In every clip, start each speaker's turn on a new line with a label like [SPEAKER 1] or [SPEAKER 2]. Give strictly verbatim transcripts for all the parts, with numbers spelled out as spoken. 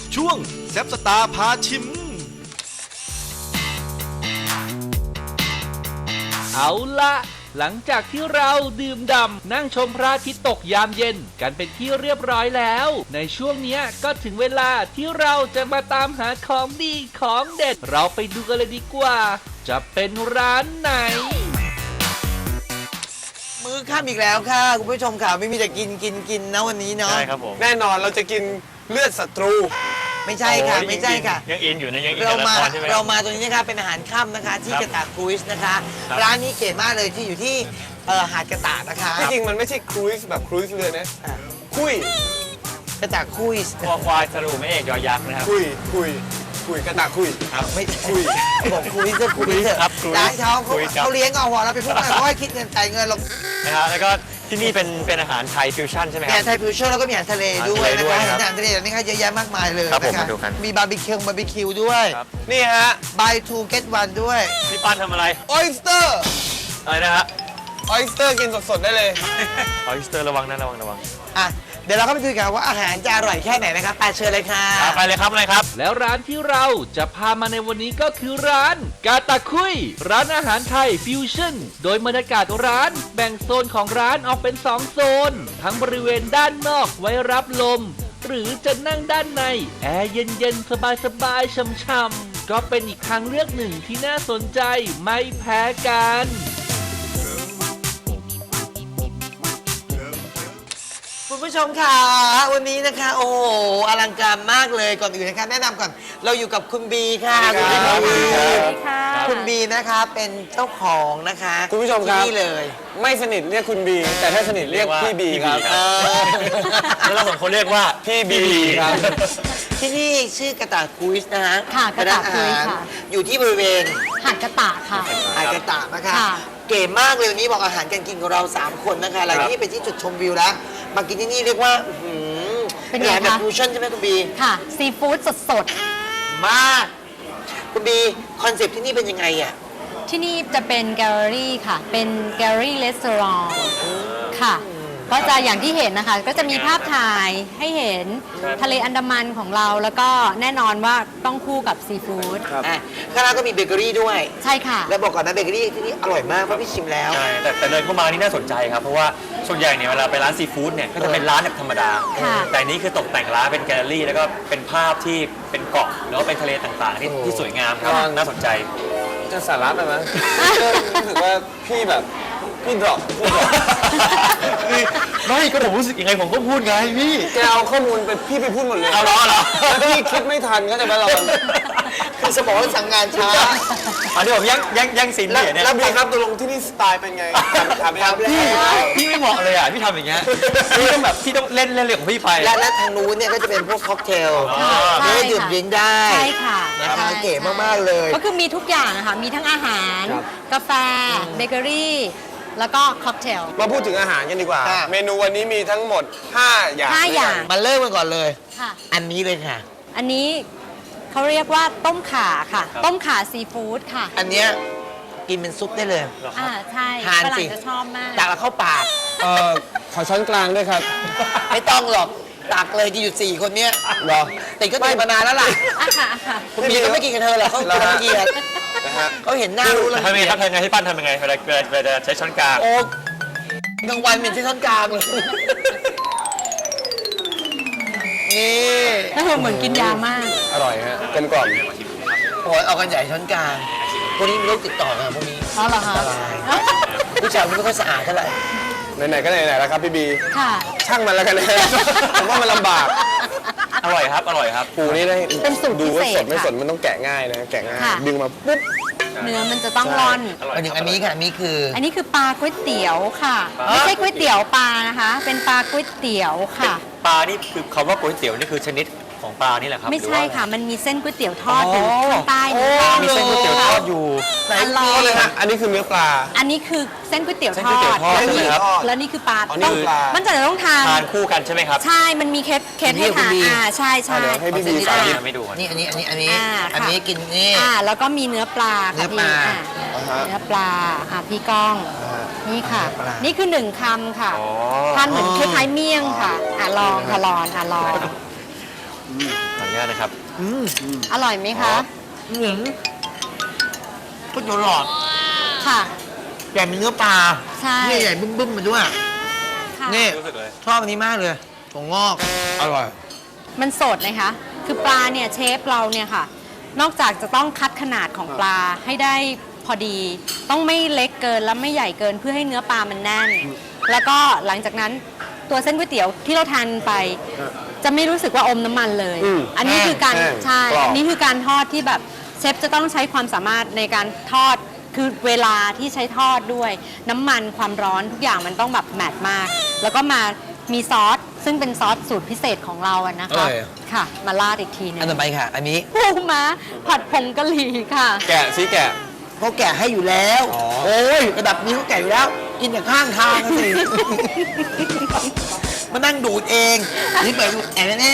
[SPEAKER 1] ช่วงแซบสตาร์พาชิม
[SPEAKER 2] เอาละหลังจากที่เราดื่มด่ำนั่งชมพระอาทิตย์ตกยามเย็นกันเป็นที่เรียบร้อยแล้วในช่วงนี้ก็ถึงเวลาที่เราจะมาตามหาของดีของเด็ดเราไปดูกันเลยดีกว่าจะเป็นร้านไหน
[SPEAKER 3] มื้อค่ำอีกแล้วค่ะคุณผู้ชมค่ะไม่มีแต่กินกินกินนะวันนี้เนาะ
[SPEAKER 4] ใช่ครับผม
[SPEAKER 5] แน่นอนเราจะกินเลือดศัตรู
[SPEAKER 3] ไม่ใช่ค่ะ
[SPEAKER 4] โอ้ย
[SPEAKER 3] ไม่ใช่ค่ะ
[SPEAKER 4] ยังอินอยู่นะยังอิน
[SPEAKER 3] เรา
[SPEAKER 4] กับละ
[SPEAKER 3] มา
[SPEAKER 4] ครใช่ไหม
[SPEAKER 3] เรามาตรงนี้นะคะเป็นอาหารค่ำนะคะที่
[SPEAKER 4] ครับ
[SPEAKER 3] กระตากครูซนะคะ
[SPEAKER 4] ครับ
[SPEAKER 3] ร้านนี้เก๋มากเลยที่อยู่ที่เอ่อหาดกระตากนะคะ
[SPEAKER 5] ที่จริงมันไม่ใช่ครูซแบบครูซเรือนะคุย
[SPEAKER 3] กระตากคุย
[SPEAKER 4] คอควายสรุปไม่เอกยอยักษ์นะครับ
[SPEAKER 5] คุยคุยคุยกระตากคุย
[SPEAKER 4] ครับ
[SPEAKER 3] ไม่
[SPEAKER 5] คุย
[SPEAKER 3] บอกคุยจะคุยเถอะ
[SPEAKER 4] ครับคุย
[SPEAKER 3] ร้านเขา
[SPEAKER 4] คุ
[SPEAKER 3] เขา
[SPEAKER 4] ยครับ
[SPEAKER 3] เขาเลี้ยงเอาหัวเราไปพูดอะไรเขาให้คิดเงินจ่ายเงินหรอก
[SPEAKER 4] นะครับแล้วก็ที่นี่เป็นเป็นอาหารไทยฟิวชั่นใช่ไหม
[SPEAKER 3] มี
[SPEAKER 4] ค
[SPEAKER 3] อา
[SPEAKER 4] รับ
[SPEAKER 3] หารไทยฟิวชั่นแล้วก็มีอาหารทะเลด้วย
[SPEAKER 4] อาหารทะเล
[SPEAKER 3] นะ
[SPEAKER 4] ด้วย
[SPEAKER 3] คะ
[SPEAKER 4] ครับ
[SPEAKER 3] อาหารทะเลแบบนี้ค่ะเยอะแยะมากมายเลย
[SPEAKER 4] ครับผม
[SPEAKER 3] นะคะ
[SPEAKER 4] มาดูกัน
[SPEAKER 3] มีบาร์บีคิวบาร์บีคิวด้วย
[SPEAKER 4] ครับ
[SPEAKER 5] นี่ฮะ
[SPEAKER 3] buy two get one ด้วย
[SPEAKER 4] พี่ป้านทำอะไร
[SPEAKER 5] ออยสเตอร์
[SPEAKER 4] อะไรนะฮะ
[SPEAKER 5] ออยสเตอร์กินสดๆได้เลย
[SPEAKER 4] ออยสเตอร์ระวังนะระวังระวัง
[SPEAKER 3] อ่ะเดี๋ยวเราเข้าไปดูกันว่าอาหารจะอร่อยแค่ไหนนะครับไปเชิญเลยค่ะ
[SPEAKER 4] อ่ะไปเลยครับเลยครับ
[SPEAKER 2] แล้วร้านที่เราจะพามาในวันนี้ก็คือร้านกาตาคุยร้านอาหารไทยฟิวชั่นโดยบรรยากาศร้านแบ่งโซนของร้านออกเป็นสองโซนทั้งบริเวณด้านนอกไว้รับลมหรือจะนั่งด้านในแอร์เย็นๆสบายๆช่ำๆก็เป็นอีกทางเลือกหนึ่งที่น่าสนใจไม่แพ้กัน
[SPEAKER 3] คุณผู้ชมค่ะวันนี้นะคะโอ้โหอลังการมากเลยก่อนอื่นนะคะแนะนำก่อนเราอยู่กับคุณบีค่ะ
[SPEAKER 5] สวัสดีครับ
[SPEAKER 3] ณบี
[SPEAKER 5] สวัสดี
[SPEAKER 6] ค่ะ
[SPEAKER 3] คุณบีนะคะเป็นเจ้าของนะคะ
[SPEAKER 5] คุณผู้ชมครับ
[SPEAKER 3] ที่นี่เลย
[SPEAKER 5] ไม่สนิทเรียกคุณบี แต่ถ้าสนิทเรียกพี่บีครับ
[SPEAKER 3] เออ
[SPEAKER 4] แล้วเราสองคนเรียกว่า
[SPEAKER 5] พี่บีครับ
[SPEAKER 3] ที่นี่ชื่อกระต่ายคุยส์นะฮะ
[SPEAKER 6] ค่ะกระต่ายคุยส์
[SPEAKER 3] เป็นอหร
[SPEAKER 6] ค่ะ
[SPEAKER 3] อยู่ที่บริเวณ
[SPEAKER 6] หาดกระตะค่ะ
[SPEAKER 3] หาดกระต่ายนะคะ
[SPEAKER 6] ค่ะ
[SPEAKER 3] เก๋มากเลยวันนี้บอกอาหารการกินของเราสามคนนะคะหลังที่เป็นที่จุดชมวิวแล้วมากินที่นี่เรียกว่าอื้อหือ
[SPEAKER 6] เป็นไง
[SPEAKER 3] อาหารแบบ
[SPEAKER 6] คะ
[SPEAKER 3] ฟิวชั่นใช่ไหมคุณบี
[SPEAKER 6] ค่ะ ซีฟู้ดสด
[SPEAKER 3] มาก คุณบีคอนเซ็ปต์ที่นี่เป็นยังไงอ่ะ
[SPEAKER 6] ๆ ที่นี่จะเป็นแกลเลอรี่ค่ะ เป็นแกลเลอรี่รีสอร์ทค่ะ ก็จะอย่างที่เห็นนะคะ ก็จะมีภาพถ่ายให้เห็นทะเลอันดามันของเรา แล้วก็แน่นอนว่าต้องคู่กับซีฟู้ด
[SPEAKER 3] อ่ะข้างล่างก็มีเบเกอรี่ด้วย
[SPEAKER 6] ใช่ค่ะ
[SPEAKER 3] แล้วบอกก่อนนะเบเกอรี่ที่นี่อร่อยมากเพราะพี่ชิมแล้ว
[SPEAKER 4] ใช่แต่แต่เดินเข้ามานี่น่าสนใจครับเพราะว่าส่วนใหญ่เนี่ยเวลาไปร้านซีฟู้ดเนี่ยก็จะเป็นร้านแบบธรรมดา
[SPEAKER 6] ค่ะ
[SPEAKER 4] แต่อันนี้คือตกแต่งร้านเป็นแกลเลอรี่แล้วก็เป็นภาพที่เป็นเกาะแล้วก็เป็นทะเลต่างๆที่
[SPEAKER 3] โอ้
[SPEAKER 4] ที่สวยงามครับ
[SPEAKER 5] ครับ
[SPEAKER 4] น่าสนใจ
[SPEAKER 5] จะสาระไปไหมรู้สึกว่าพี่แบบพี่ดรอปพี่ดรอป
[SPEAKER 4] ไม่ก็ผมรู้สึกยังไงผมก็พูดไงพี่
[SPEAKER 5] แกเอาข้อมูลไปพี่ไปพูดหมดเลย
[SPEAKER 4] เอาเหรอเหรอ
[SPEAKER 5] แล้วพี่คิดไม่ทันก็จะมาเรา
[SPEAKER 3] คือสมองสั่งงานช้า
[SPEAKER 4] อันนี้ผมแย่งแย่งแย่งซีน
[SPEAKER 5] แล้ว
[SPEAKER 4] พี่เนี่ย
[SPEAKER 5] แล้วบีครับตกลงที่นี่สไตล์เป็นไงถามไปครับ
[SPEAKER 4] พี่พี่ไม่เหมาะเลยอ่ะพี่ทำอย่างเงี้ยพี่ต้องแบบพี่ต้องเล่นเล่นเรื่องของพี่ไป
[SPEAKER 3] และและทางนู้นเนี่ยก็จะเป็นพวกค็อกเทล
[SPEAKER 4] อ๋อ
[SPEAKER 6] ใช่
[SPEAKER 3] เนื้อดื่ม
[SPEAKER 6] ค่ะ
[SPEAKER 3] ดริงก์ได้
[SPEAKER 6] ใช่ค่ะ
[SPEAKER 3] นะคะ
[SPEAKER 6] ใช่
[SPEAKER 3] เก๋มากๆเลย
[SPEAKER 6] ก็คือมีทุกอย่างอะค่ะ มีทั้งอาหาร
[SPEAKER 5] ครับ
[SPEAKER 6] กาแฟ เบเกอรี่ แล้วก็ค็อกเทล
[SPEAKER 5] มาพูดถึงอาหารกันดีกว่า
[SPEAKER 3] ค่ะ
[SPEAKER 5] เมนูวันนี้มีทั้งหมด ห้า อย่าง
[SPEAKER 6] ห้าอย่าง
[SPEAKER 3] มาเริ่มกันก่อนเลย
[SPEAKER 6] ค่ะ
[SPEAKER 3] อันนี้เลยค่ะ
[SPEAKER 6] อันนี้เขาเรียกว่าต้มข่าค่ะ ต้มข่าซีฟู้ดค่ะ
[SPEAKER 3] อันเนี้ยกินเป็นซุปได้เลย
[SPEAKER 6] อ่าใช่
[SPEAKER 3] ทาน
[SPEAKER 6] ฝรั่
[SPEAKER 3] สิ
[SPEAKER 6] งจะชอบมาก
[SPEAKER 3] ตักแล้วเข้าปาก
[SPEAKER 5] เอ่อขอช้อนกลางด้วยครับ
[SPEAKER 3] ไม่ต้องหรอกตักเลยจะอยู่สี่คนเนี้ย
[SPEAKER 5] เหรอ
[SPEAKER 3] ติดก็ติดมานานแล้วล่ะ
[SPEAKER 6] อ่ะค่ะอ่ะค่ะ
[SPEAKER 3] คุณบีก็ไม่กินกับเธอหรอกเขา
[SPEAKER 5] เหรอ
[SPEAKER 3] เขา
[SPEAKER 5] ฮะ
[SPEAKER 3] เกลียด
[SPEAKER 5] นะฮะ
[SPEAKER 3] เขาเห็นหน้ารู้เลย
[SPEAKER 4] ทำยังไงครับทำยังไงให้ปั้นทำยังไงเวลาเวลาเวลาใช้ช้อนกลาง
[SPEAKER 3] โอ้กลางวันเป็นที่ท่อนกลางเลยนี่
[SPEAKER 6] แล้วเหมือนกินยามาก
[SPEAKER 5] อร่อยฮะกลมกล่อม
[SPEAKER 3] โอ้ยเอากันใหญ่ช้อนกลางพวกนี้มีโรคติดต่อกันพวกนี้
[SPEAKER 6] อ๋อเหรอคะ
[SPEAKER 3] อันตราย ผู้ชายมันไม่ค่อยสะอาดเท่าไหร่
[SPEAKER 5] ไหนๆก็ไหนๆแล้วครับพี่บี
[SPEAKER 6] ค่ะ
[SPEAKER 5] ช่างมันแล้วกันนะ ผมว่ามันลำบาก
[SPEAKER 4] อร่อยครับอร่อยครับ
[SPEAKER 5] ปูนี่ได้
[SPEAKER 6] เป็นสูตร
[SPEAKER 5] ดูว่า
[SPEAKER 6] พิเศ
[SPEAKER 5] ส
[SPEAKER 6] ษ
[SPEAKER 5] ดไม่
[SPEAKER 6] ค่ะ
[SPEAKER 5] สดมันต้องแกะง่ายนะแกะง่าย
[SPEAKER 6] ค่ะ
[SPEAKER 5] ดึงมาปุ๊บ
[SPEAKER 6] เนื้อมันจะต้องร่อน
[SPEAKER 4] อร่อย
[SPEAKER 3] อันนี้อันนี้ค่ะอันนี้คือ
[SPEAKER 6] อันนี้คือปลาก๋วยเตี๋ยวค่ะ ไม่ใช่ก๋วยเตี๋ยวปลานะคะ เป็นปลาก๋วยเตี๋ยวค่ะ
[SPEAKER 4] ปลานี่คือคำว่าก๋วยเตี๋ยวนี่คือชนิดของปลานี่แหละครับ
[SPEAKER 6] ไม่
[SPEAKER 4] หรือ
[SPEAKER 6] ใช่
[SPEAKER 4] ว่า
[SPEAKER 6] ค่ะ มันมีเส้นก๋วยเตี๋ยวทอดอยู่ข้างใต้นี้
[SPEAKER 3] อ๋อ
[SPEAKER 4] มีเส้นก๋วยเตี๋ยวทอดอยู่
[SPEAKER 3] ไหน
[SPEAKER 6] อร่อ
[SPEAKER 3] มี
[SPEAKER 6] ย
[SPEAKER 3] เลยค่ะ
[SPEAKER 5] อันนี้คือเนื้อปลา
[SPEAKER 6] อันนี้คือเส้นก๋วยเตี๋ยว
[SPEAKER 4] เส้น
[SPEAKER 6] ท
[SPEAKER 4] ก๋วย
[SPEAKER 6] อ
[SPEAKER 4] เตี๋ยว
[SPEAKER 6] ด
[SPEAKER 4] ทอดใช่ไหมครับ
[SPEAKER 6] แล้วนี่คือปลา
[SPEAKER 5] อ๋อนี่
[SPEAKER 6] ต้อง
[SPEAKER 5] คือปลามั
[SPEAKER 6] มันจะต้องทาน
[SPEAKER 4] ทานคู่กันใช่ไหมครับ
[SPEAKER 6] ใช่ มันมีเคสเคสให้ทานอ่าใช่ใช่
[SPEAKER 5] เดี๋ยวให้พี่บี
[SPEAKER 3] ขอ
[SPEAKER 5] ใส่
[SPEAKER 3] เส้น
[SPEAKER 4] อันนี้ไม่ดูก่อน
[SPEAKER 3] นี่อันนี้อันนี้อันนี้
[SPEAKER 6] อ่า
[SPEAKER 3] อันนี้
[SPEAKER 6] ค่ะ
[SPEAKER 3] กินนี่
[SPEAKER 6] อ่าแล้วก็มีเนื้อปลา
[SPEAKER 3] เนื้
[SPEAKER 6] ค่ะ
[SPEAKER 3] อป
[SPEAKER 6] พี่
[SPEAKER 3] ลา
[SPEAKER 6] อ่าเนื้อปลาอ่าพี่ก้อง นี่ค่ะ
[SPEAKER 3] เนื้อปลานี่
[SPEAKER 6] นี่คือหนึ่งคำค่ะ
[SPEAKER 4] อ๋อ
[SPEAKER 6] ทานเหมือนคล้ายๆเมี่ยงค่ะอ่าลองค่ะลองอ่าลอง
[SPEAKER 4] ขออนุญาตนะครับ
[SPEAKER 6] อร่อยไหมคะ
[SPEAKER 3] เหมือนก๋วยเตี๋ยวหลอด
[SPEAKER 6] ค่ะ
[SPEAKER 3] แต่มีเนื้อปลา
[SPEAKER 6] ใช่
[SPEAKER 3] เนี่ยใหญ่บึ้มๆมาด้วย
[SPEAKER 6] ค่ะ
[SPEAKER 3] นี่
[SPEAKER 4] รู้สึกเลย
[SPEAKER 3] ชอบอันนี้มากเลยถั่วงอก อร่อย
[SPEAKER 6] มันสดนะคะ คือปลาเนี่ยเชฟเราเนี่ยค่ะ นอกจากจะต้องคัดขนาดของปลาให้ได้พอดี ต้องไม่เล็กเกินและไม่ใหญ่เกินเพื่อให้เนื้อปลามันแน่น แล้วก็หลังจากนั้นตัวเส้นก๋วยเตี๋ยวที่เราทานไป จะไม่รู้สึกว่าอมน้ำมันเลย
[SPEAKER 5] อืม
[SPEAKER 6] อันนี้คือการ
[SPEAKER 5] แห้ง
[SPEAKER 6] ใช่
[SPEAKER 5] กรอบ
[SPEAKER 6] อันนี้คือการทอดที่แบบเชฟจะต้องใช้ความสามารถในการทอด คือเวลาที่ใช้ทอดด้วย น้ำมันความร้อนทุกอย่างมันต้องแบบแมทมาก แล้วก็มามีซอสซึ่งเป็นซอสสูตรพิเศษของเราอะนะคะ
[SPEAKER 3] อร่อย
[SPEAKER 6] ค่ะ มาราดอีกทีหนึง
[SPEAKER 3] อันต่อไปค่ะ อันนี้
[SPEAKER 6] ปูม้าผัดผงกะหรี่ค่ะ
[SPEAKER 5] แกะซิแกะ
[SPEAKER 3] เขาแกะให้อยู่แล้ว
[SPEAKER 5] อ๋อ
[SPEAKER 3] โอ้ยระดับนี้เขาแกะอยู่แล้ว กินจากข้างทางสิ มานั่งดูดเองนี่เปิดดูแอนแอน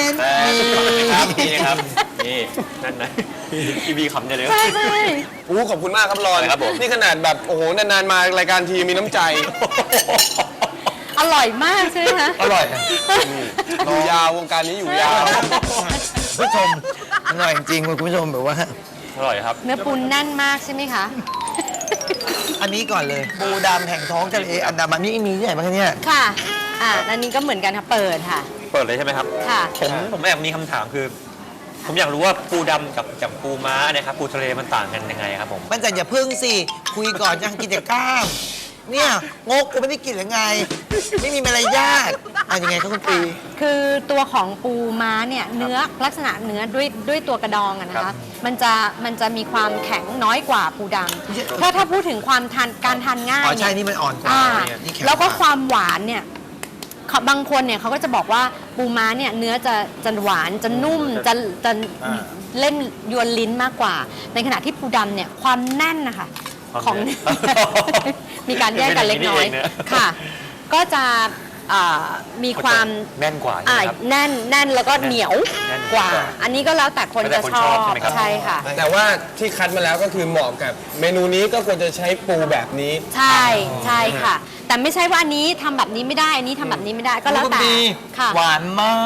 [SPEAKER 4] แต่
[SPEAKER 3] นี่
[SPEAKER 4] ครับนี่นะครับ นี่นั่นนะพี่บีขำเนี่ยเลย
[SPEAKER 6] ใช่ใช่
[SPEAKER 5] โอ้ขอบคุณมากครับรอน
[SPEAKER 4] ครับผม
[SPEAKER 5] นี่ขนาดแบบโอ้โหนานๆมารายการทีมีน้ำใจ
[SPEAKER 6] อร่อยมากใช่ไหมคะ
[SPEAKER 3] อร่อย
[SPEAKER 5] อยู่ยาววงการนี้อยู่ยาว
[SPEAKER 3] คุณผู้ชมอร่อยจริงๆคุณผู้ชมแบบว่า
[SPEAKER 4] อร่อยครับ
[SPEAKER 6] เนื้อปูแน่นมากใช่ไหมคะ
[SPEAKER 3] อันนี้ก่อนเลย ปูดำแห่งท้องทะเลอันดามันนี่มีที่ไหนบ้างคะเนี่ย
[SPEAKER 6] ค่ะ อ่าอันนี้ก็เหมือนกันค่ะ เปิดค่ะ
[SPEAKER 4] เปิดเลยใช่ไหมครับ
[SPEAKER 6] ค่ะ
[SPEAKER 4] ผมผมแอบมีคำถามคือ ผมอยากรู้ว่าปูดำกับกับปูม้าเนี่ยครับปูทะเลมันต่างกันยังไงครับผม
[SPEAKER 3] มันจะอย่าพึ่งสิ คุยก่อนยังกินแต่กล้าม เนี่ยงกกูไม่ได้กินหรือไง ไม่มีมารยาทอ่ะยังไงครับคุณปี
[SPEAKER 6] คือตัวของปูม้าเนี่ยเนื้อลักษณะเนื้อด้วยด้วยตัวกระดองอะนะ
[SPEAKER 4] ครั
[SPEAKER 6] คะ
[SPEAKER 4] บ
[SPEAKER 6] มันจะมันจะมีความแข็งน้อยกว่าปูดำถ้าถ้าพูดถึงความทานการทานง่าย
[SPEAKER 3] อ๋อใช่
[SPEAKER 6] เนี่ย
[SPEAKER 3] นี่มันอ่อนกว่า
[SPEAKER 6] อ่า
[SPEAKER 3] นี่ข็ง
[SPEAKER 6] แล้วก็
[SPEAKER 3] ว่า
[SPEAKER 6] ความหวานเนี่ยเขาบางคนเนี่ยเขาก็จะบอกว่าปูม้าเนี่ยเนื้อจะจะหวานจะนุ่มจะจะเล่นยวนลิ้นมากกว่า ในขณะที่ปูดำเนี่ยความแน่นนะคะ
[SPEAKER 4] ความ
[SPEAKER 6] ของ
[SPEAKER 4] แน่น
[SPEAKER 6] มีการแยกกันเล็กน้อย
[SPEAKER 4] เป็นอย่างนี้เองนะ
[SPEAKER 6] ค่ะ ก็จะอ่ามีความ
[SPEAKER 4] แน่นกว่าใช่
[SPEAKER 6] อ่า
[SPEAKER 4] ไหมครับ
[SPEAKER 6] แน่นแน่นแล้วก็เหนียว
[SPEAKER 4] แน่น
[SPEAKER 6] กว่า
[SPEAKER 4] กว่า
[SPEAKER 6] อันนี้ก็แล้วแต่คน
[SPEAKER 4] แล้วแต่
[SPEAKER 6] จะ
[SPEAKER 4] คน
[SPEAKER 6] ช
[SPEAKER 4] ช
[SPEAKER 6] อ
[SPEAKER 4] อ
[SPEAKER 6] บบ
[SPEAKER 4] ใช่ไหมครับ
[SPEAKER 6] ใช่ค่ะ
[SPEAKER 5] แต่ว่าที่คัดมาแล้วก็คือเหมาะกับเมนูนี้ก็ควรจะใช้ปูแบบนี้
[SPEAKER 6] ใช่ใช่ค่ะ แต่ไม่ใช่ว่าอันนี้ทำแบบนี้ไม่ได้อันนี้ทำแบบนี้ไม่ได้ก็แล้วแต่
[SPEAKER 3] ดี
[SPEAKER 6] ค่ะ
[SPEAKER 3] หวานมาก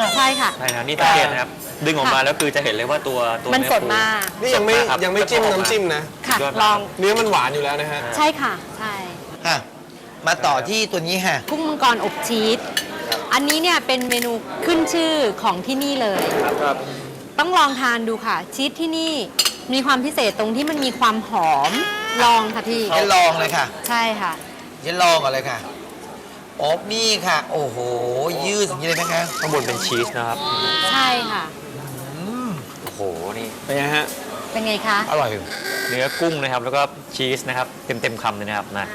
[SPEAKER 6] ใช่ค่ะ
[SPEAKER 4] ใช่นะนี่สังเกตนะครับ ดึงออกมาแล้วคือจะเห็นเลยว่าตัวตัว
[SPEAKER 6] มัน
[SPEAKER 4] เอ
[SPEAKER 6] สด
[SPEAKER 4] ปู
[SPEAKER 6] มาก
[SPEAKER 5] นี่ยังไม่
[SPEAKER 4] สดากครับ
[SPEAKER 5] ยังไม่จิ้มน้ำจิ้มนะ
[SPEAKER 6] ค่ะ
[SPEAKER 4] ยอด
[SPEAKER 6] ล
[SPEAKER 4] มา
[SPEAKER 6] อก ง
[SPEAKER 5] เนื้อมันหวานอยู่แล้วนะฮะ
[SPEAKER 6] ใช่ค่ะใช่
[SPEAKER 3] อ่ะมาต่อที่ตัวนี้ค่ะ
[SPEAKER 6] กุ้งมังกรอบชีสอันนี้เนี่ยเป็นเมนูขึ้นชื่อของที่นี่เลย
[SPEAKER 5] ครับ
[SPEAKER 6] ต้องลองทานดูค่ะ ชีสที่นี่มีความพิเศษตรงที่มันมีความหอมลองค่ะพี่
[SPEAKER 3] จะลองเลยค่ะ
[SPEAKER 6] ใช่ค่ะ
[SPEAKER 3] จะลองก่อนเลยค่ะโอ๊บนี่ค่ะ โอ้โห ยืดอย่างนี้เลยนะคะ
[SPEAKER 4] ข้างบนเป็นชีสนะครับ
[SPEAKER 6] ใช่ค่ะ
[SPEAKER 4] โอ้โห นี่
[SPEAKER 5] เป็นไงฮะ
[SPEAKER 6] เป็นไงคะ
[SPEAKER 3] อร่อย
[SPEAKER 4] เนื้อกุ้งนะครับ แล้วก็ชีสนะครับ เต็มเต็มๆคำเลยนะครับนะ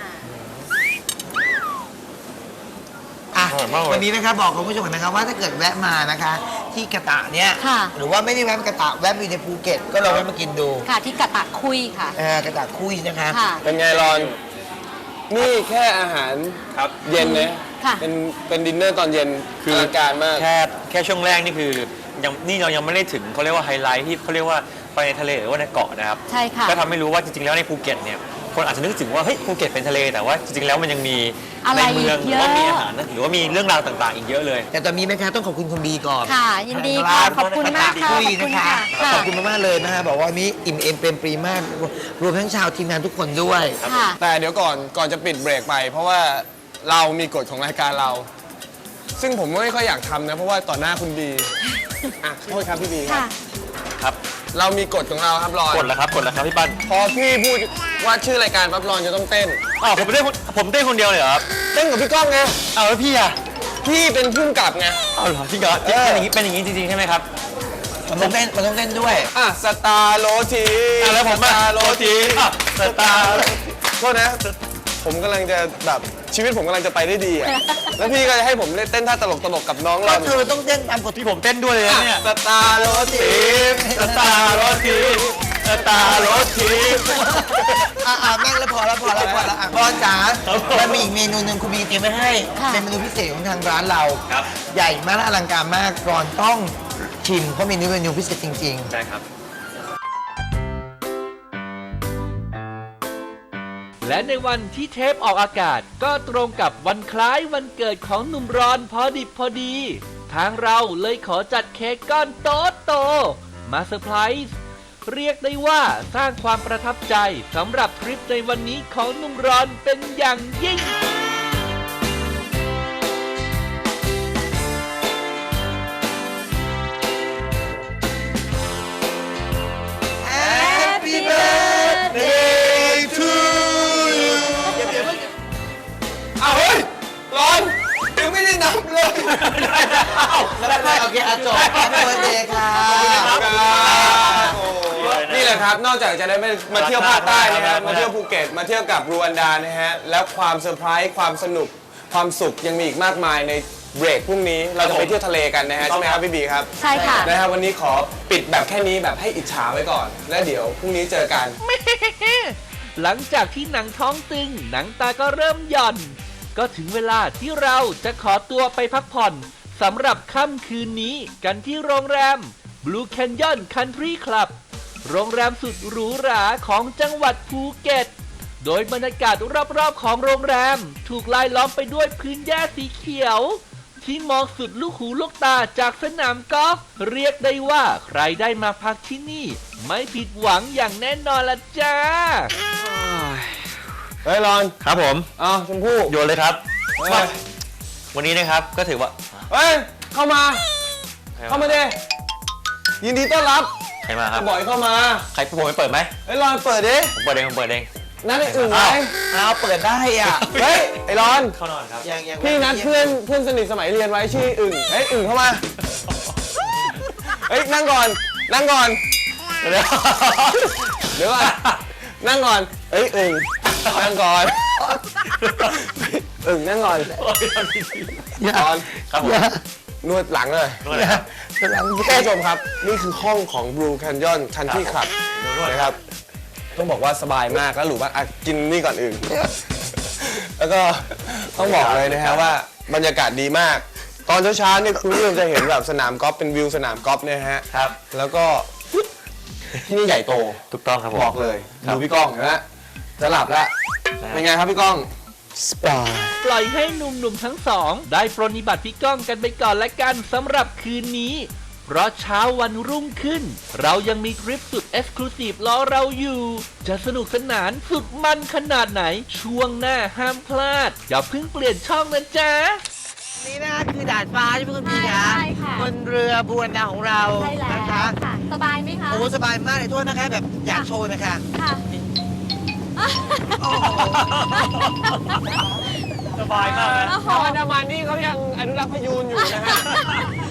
[SPEAKER 3] อ่ะ
[SPEAKER 4] อร่อยมากเลย
[SPEAKER 3] วันนี้นะครับบอกคุณผู้ชมก่อนนะครับว่าถ้าเกิดแวะมานะคะ ที่กระตะเนี่ย
[SPEAKER 6] ค่ะ
[SPEAKER 3] หรือว่าไม่ได้แวะมากระตะแวะไปในภูเก็ต ก็ลองแวะมากินดู
[SPEAKER 6] ค่ะที่กะตะคุยค่ะ
[SPEAKER 3] เออกระตะคุยนะคะ
[SPEAKER 6] ค่ะ
[SPEAKER 5] เป็นไงรอน นี่แค่อาหาร
[SPEAKER 4] ครับ
[SPEAKER 5] เย็นนะ
[SPEAKER 6] ค่ะ
[SPEAKER 5] เป็นเป็นดินเนอร์ตอนเย็น
[SPEAKER 4] คือ
[SPEAKER 5] อลังการมาก
[SPEAKER 4] แค่แค่ช่วงแรกนี่คือยังนี่เรายังไม่ได้ถึงเขาเรียกว่าไฮไลท์ที่เขาเรียกว่าไปในทะเลหรือว่าในเกาะนะครับ
[SPEAKER 6] ใช่ค่ะ
[SPEAKER 4] ก็ทำให้รู้ว่าจริงๆแล้วในภูเก็ตเนี่ยคนอาจจะนึกถึงว่าเฮ้ยภูเก็ตเป็นทะเลแต่ว่าจริงๆแล้วมันยังมี
[SPEAKER 6] อะไร
[SPEAKER 4] ในเมืองห
[SPEAKER 6] อี
[SPEAKER 4] รื
[SPEAKER 6] ก
[SPEAKER 4] อ
[SPEAKER 6] เยอะ
[SPEAKER 4] ว่ามีอาหารนะหรือว่ามีเรื่องราวต่างๆ อีกเยอะเลย
[SPEAKER 3] แต่ตอนนี้นะคะต้องขอบคุณคุณบีก่อน
[SPEAKER 6] ค่ะ ยินดีค่ะ ขอบคุณมากค่ะ
[SPEAKER 3] คุ
[SPEAKER 6] ข
[SPEAKER 3] ย
[SPEAKER 6] อบคุ
[SPEAKER 3] นะ
[SPEAKER 6] ณ
[SPEAKER 3] คะ
[SPEAKER 6] ค่ะ
[SPEAKER 3] ขอบคุณมากๆเลยนะคะบอกว่าวันนี้อิ่มเอมเปรมปรีมาก รวมทั้งชาวทีมงานทุกคนด้วย
[SPEAKER 6] ค่ะ
[SPEAKER 5] แต่เดี๋ยวก่อนก่อนจะปิดเบรกไป เพราะว่าเรามีกฎของรายการเรา ซึ่งผมไม่ค่อยอยากทำนะ เพราะว่าต่อหน้าคุณบีอ่ะโทษครับพี่บีครับ
[SPEAKER 6] ค่ะ
[SPEAKER 4] ครับ
[SPEAKER 5] เรามีกฎของเราครับรอน
[SPEAKER 4] กดแล้วครับกดแล้วครับพี่ปั้น
[SPEAKER 5] พอพี่พูดว่าชื่อรายการปั๊บรอนจะต้องเต้น
[SPEAKER 4] อ๋อผมเต้นคนผมเต้นคนเดียวเลยเหรอครับ
[SPEAKER 5] เต้นกับพี่ก้องไง
[SPEAKER 4] เอาแล้วพี่อะ
[SPEAKER 5] พี่เป็นผู้กำกับไง
[SPEAKER 4] เอาเหรอพี่กอล์ฟเป็นอย่างนี้เป็นอย่างนี้จริงๆใช่ไหมครับ
[SPEAKER 3] มันต้องเต้นมันต้องเต้นด้วย
[SPEAKER 5] อ่ะสตาร์โรที
[SPEAKER 4] อ่ะแล้วผม
[SPEAKER 5] สตาร์โรที
[SPEAKER 4] อ่ะสตาร์
[SPEAKER 5] โทษนะ ผมกำลังจะแบบชีวิตผมกำลังจะไปได้ดีอ่ะ แล้วพี่ก็จะให้ผมเล่นเต้นท่าตลกตลกๆกับน้อง
[SPEAKER 3] ก็
[SPEAKER 5] เรา
[SPEAKER 3] เธอต้องเต้นตามกฎ
[SPEAKER 4] พี่ผมเต้นด้วยเลยนะเนี่ย
[SPEAKER 5] สตาร์โรที
[SPEAKER 4] สตาร์รถทีสตาร์รถที
[SPEAKER 3] อ่ะอ่ะนั่งแล้วพอแล้วพอแล้วพอแล้วอ่ะบอลจ๋า
[SPEAKER 4] ครับผม
[SPEAKER 3] มันมีอีกเมนูหนึ่งคุณบีเตรียมไว้ให้
[SPEAKER 6] ค่ะ
[SPEAKER 3] เป็นเมนูพิเศษของทางร้านเรา
[SPEAKER 4] ครับ
[SPEAKER 3] ใหญ่มากและอลังการมากก่อนต้องชิมเพราะเมนูเป็นเมนูพิเศษจริง
[SPEAKER 4] ใช่ครับ
[SPEAKER 2] และในวันที่เทปออกอากาศก็ตรงกับวันคล้ายวันเกิดของหนุ่มรอนพอดิบพอดีทางเราเลยขอจัดเค้กก้อนโตโตมาเซอร์ไพรส์เรียกได้ว่าสร้างความประทับใจสำหรับทริปในวันนี้ของหนุ่มรอนเป็นอย่างยิ่ง
[SPEAKER 3] Happy birthday to you
[SPEAKER 5] เอาเฮ้ยร้อนยังไม่ได้นับเลย
[SPEAKER 3] แล้วได้โอเคอ่ะจบ Happy birthday ค่ะ
[SPEAKER 5] นี่แหละครับ นอกจากจะได้มาเที่ยวภาคใต้นะครับ มาเที่ยวภูเก็ต มาเที่ยวกับรูวันดานะฮะ แล้วความเซอร์ไพรส์ ความสนุก ความสุขยังมีอีกมากมายในเบรกพรุ่งนี้ เราจะไปเที่ยวทะเลกันนะฮะ ใช่ไหมครับพี่บีครับ
[SPEAKER 6] ใช่ค่ะ
[SPEAKER 5] นะครับวันนี้ขอปิดแบบแค่นี้แบบให้อิจฉาไว้ก่อน แล้วเดี๋ยวพรุ่งนี้เจอกัน
[SPEAKER 2] หลังจากที่หนังท้องตึง หนังตาก็เริ่มหย่อน ก็ถึงเวลาที่เราจะขอตัวไปพักผ่อนสำหรับค่ำคืนนี้กันที่โรงแรม Blue Canyon Country Club โรงแรมสุดหรูหราของจังหวัดภูเก็ต โดยบรรยากาศรอบๆของโรงแรมถูกลายล้อมไปด้วยพื้นหญ้าสีเขียว ที่มองสุดลูกหูลูกตาจากสนามกอล์ฟเรียกได้ว่าใครได้มาพักที่นี่ ไม่ผิดหวังอย่างแน่นอนละจ้า
[SPEAKER 5] เฮ้ยรอน
[SPEAKER 4] ครับผม
[SPEAKER 5] อ้าวชมพู่
[SPEAKER 4] โยนเลยครับ
[SPEAKER 5] เฮ้ย
[SPEAKER 4] วันนี้นะครับก็ถือว่า
[SPEAKER 5] เฮ้ย เข้ามา เข้ามาดิยินดีต้อนรับ
[SPEAKER 4] ใครมาครับ
[SPEAKER 5] บ่อยเข้ามา
[SPEAKER 4] ใครผมไปเปิดไหม
[SPEAKER 5] เฮ้ยรอนเปิดดิ
[SPEAKER 4] ผมเปิดเองผมเปิดเอง
[SPEAKER 5] นัดไอ้อื่นไหม
[SPEAKER 3] เอาเปิดได้อ่ะ
[SPEAKER 5] เฮ้ย ไอ้รอน
[SPEAKER 4] เข้านอนครับ
[SPEAKER 3] ยังยัง
[SPEAKER 5] พี่นัดเพื่อนเพื่อนสนิทสมัยเรียนไว้ชื่ออึ่งเฮ้ยอึ่งเข้ามา เฮ้ยนั่งก่อน นั่งก่อน เดี๋ยวเดี๋ยวก่อนนั่งก่อน เฮ้ยอึ่งนั่งก่อนอึ่งนั่งก่อนก่อน
[SPEAKER 4] ครับผม
[SPEAKER 5] นวดหลังเลย
[SPEAKER 4] นวดเลยครับ
[SPEAKER 5] ท่านผู้ชมครับ นี่คือห้องของ Blue Canyon Country Club นะครับ ต้องบอกว่าสบายมากแล้วหรูมากอ่ะกินนี่ก่อนอื่น แล้วก็ต้องบอกเลยนะฮะว่าบรรยากาศดีมาก ตอนเช้าๆเนี่ยคุณผู้ชมจะเห็นแบบสนามกอล์ฟเป็นวิวสนามกอล์ฟเนี่ยฮะ
[SPEAKER 4] ครับ
[SPEAKER 5] แล้วก็ที่นี่ใหญ่โต
[SPEAKER 4] ถูกต้องครับผม
[SPEAKER 5] บอกเลยดูพี่ก้องเห็นไหมจะหลับแล้วเป็นไงครับพี่ก้องสบาย
[SPEAKER 2] ปล่อยให้หนุ่มๆทั้งสอง ได้ปรนนิบัติพี่ก้องกันไปก่อนละกันสำหรับคืนนี้ เพราะเช้าวันรุ่งขึ้น เรายังมีทริปสุดเอ็กซ์คลูซีฟรอเราอยู่ จะสนุกสนานสุดมันขนาดไหน ช่วงหน้าห้ามพลาด อย่าเพิ่งเปลี่ยนช่องนะจ๊ะ
[SPEAKER 3] นี่นะคะคือดาดฟ้าใช่ไหมคุณพี่คะ
[SPEAKER 6] ใช่ค่ะ
[SPEAKER 3] บนเรือบูรณาของเรา
[SPEAKER 6] ใช่แล้ว
[SPEAKER 3] นะคะ
[SPEAKER 6] ค่ะ สบายไหมคะ
[SPEAKER 3] โอ้สบายมากเลยโทษนะคะแบบอยากโชว์นะคะ
[SPEAKER 6] ค่ะ
[SPEAKER 3] โอ้โห
[SPEAKER 4] สบายมากนะ
[SPEAKER 6] โอ้โห
[SPEAKER 5] ชาวอันดามันนี่เขายังอนุรักษ์พยูนอยู่นะฮะ